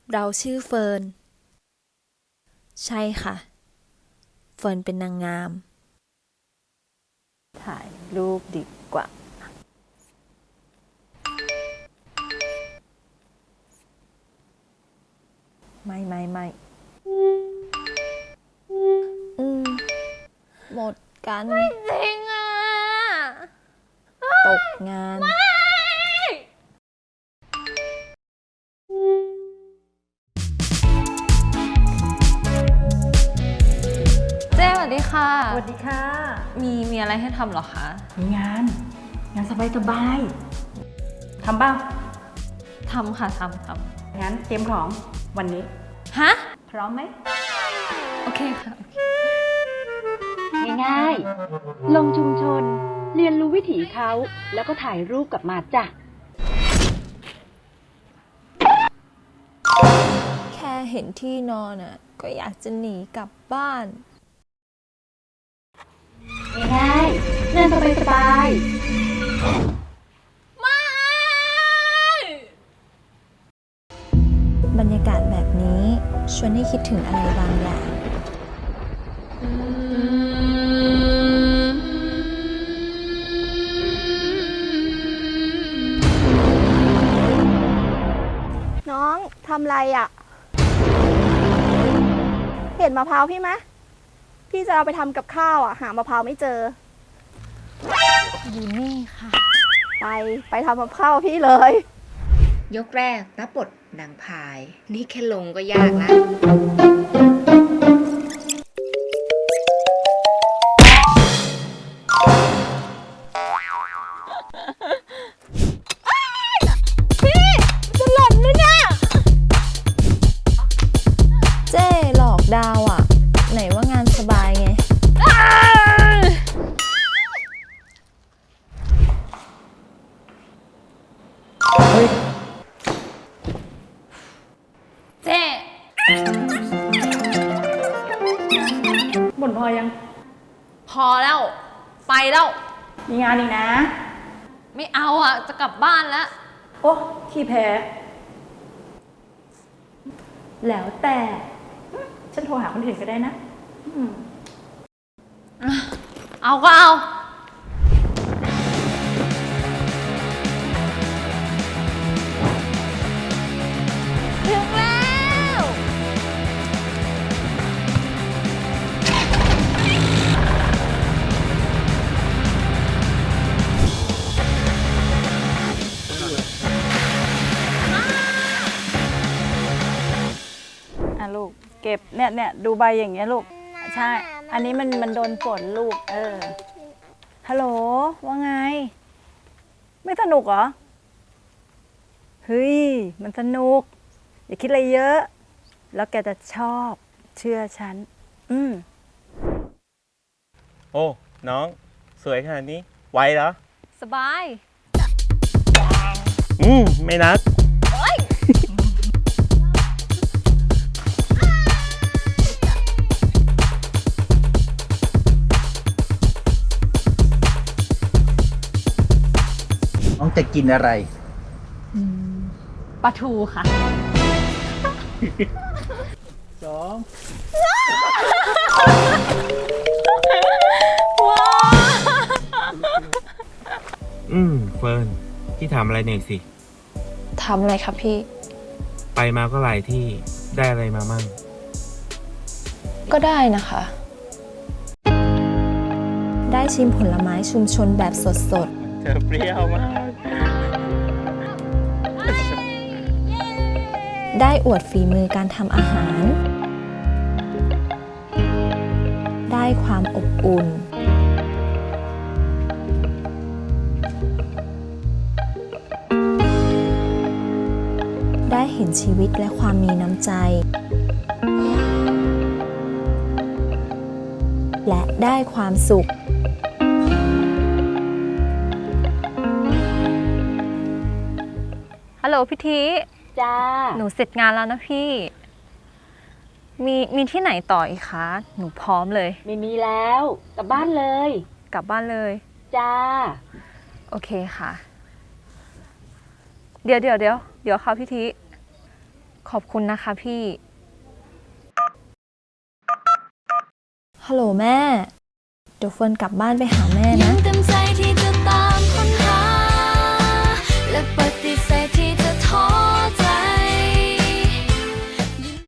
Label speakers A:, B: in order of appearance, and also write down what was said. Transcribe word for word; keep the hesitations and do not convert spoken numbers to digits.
A: เราชื่อเฟิร์นใช่ค่ะเฟิร์นเป็นนางงาม
B: ถ่ายรูปดีกว่าไม่ไม่ไม่
A: อืมหมดกัน
B: จริงอ่ะ
A: ตกงาน
C: เจ๊สวัสดีค่ะ
B: สวัสดีค่ะ
C: มีมีอะไรให้ทำเหรอคะ
B: มีงาน งานสบายสบายๆทำบ้าง
C: ทำค่ะทำท
B: งั้นเตรียมของวันนี้
C: ำฮะ
B: พร้อมไหม
C: โอเคค่ะ
D: ง่ายๆ ลงชุมชน เรียนรู้วิถีเขา แล้วก็ถ่ายรูปกลับมาจ้ะ
A: แค่เห็นที่นอนอ่ะ ก็อยากจะหนีกลับบ้าน
D: ง่ายๆ งานสบายๆ
A: บรรยากาศแบบนี้ชวนให้คิดถึงอะไรบางอย่าง
E: น้องทำไรอะ่ะ เห็นมะพร้าวพี่ไหมพี่จะเอาไปทำกับข้าวอะ่ะ หามะพร้าวไม่เจอ
A: อยู่นี่ค่ะ
E: ไปไปทำกับข้าวพี่เลย
F: ยกแรกรับบทนางพาย นี่แค่ลงก็ยากแล้ว
A: เจ้หลอกดาวอ่ะ ไหนว่างานสบายไง
C: เจ๊
B: บ่นพอยัง
C: พอแล้ว ไปแล้ว
B: มีงานอีกนะ
C: ไม่เอาอ่ะ จะกลับบ้านแล้ว
B: โอ้ขี้แพ้ แล้วแต่ ฉันโทรหาคนอื่นก็ได้นะอืม
C: เอาก็เอา ถึงแล้ว
B: อ่ะลูก เก็บเนี่ยเนี่ยดูใบอย่างเงี้ยลูก ใช่ อันนี้มันมันโดนฝนลูก เออ ฮัลโหล ว่าไง ไม่สนุกเหรอ เฮ้ย มันสนุก อย่าคิดอะไรเยอะ แล้วแกจะชอบ เชื่อฉัน อืม
G: โอ้ น้อง สวยขนาดนี้ ไหวเหรอ
C: สบาย
G: อืม ไม่นัก
H: น้องจะกินอะไร
C: ปลาทูค่ะ
H: สอง
G: อืม เฟิร์น พี่ถามอะไรหน่อยสิ
A: ทำอะไรครับพี่
G: ไปมาก็หลายที่ ได้อะไรมามั่ง
A: ก็ได้นะคะ ได้ชิมผลไม้ชุมชนแบบสด
G: เธอเปรี้ยวมาก
A: ๆ ได้อวดฝีมือการทำอาหาร ได้ความอบอุ่น ได้เห็นชีวิตและความมีน้ำใจ และได้ความสุข
C: ฮัลโหลพี่ที
D: จ้า
C: หนูเสร็จงานแล้วนะพี่ มีมีที่ไหนต่ออีกคะ หนูพร้อมเลย
D: ไม่มีแล้ว กลับบ้านเลย
C: กลับบ้านเลย
D: จ้า
C: โอเคค่ะ เดี๋ยวเดี๋ยวเดี๋ยวเดี๋ยวค่ะพี่ทีขอบคุณนะคะพี่
A: ฮัลโหลแม่ เดี๋ยวเฟิร์นกลับบ้านไปหาแม่นะ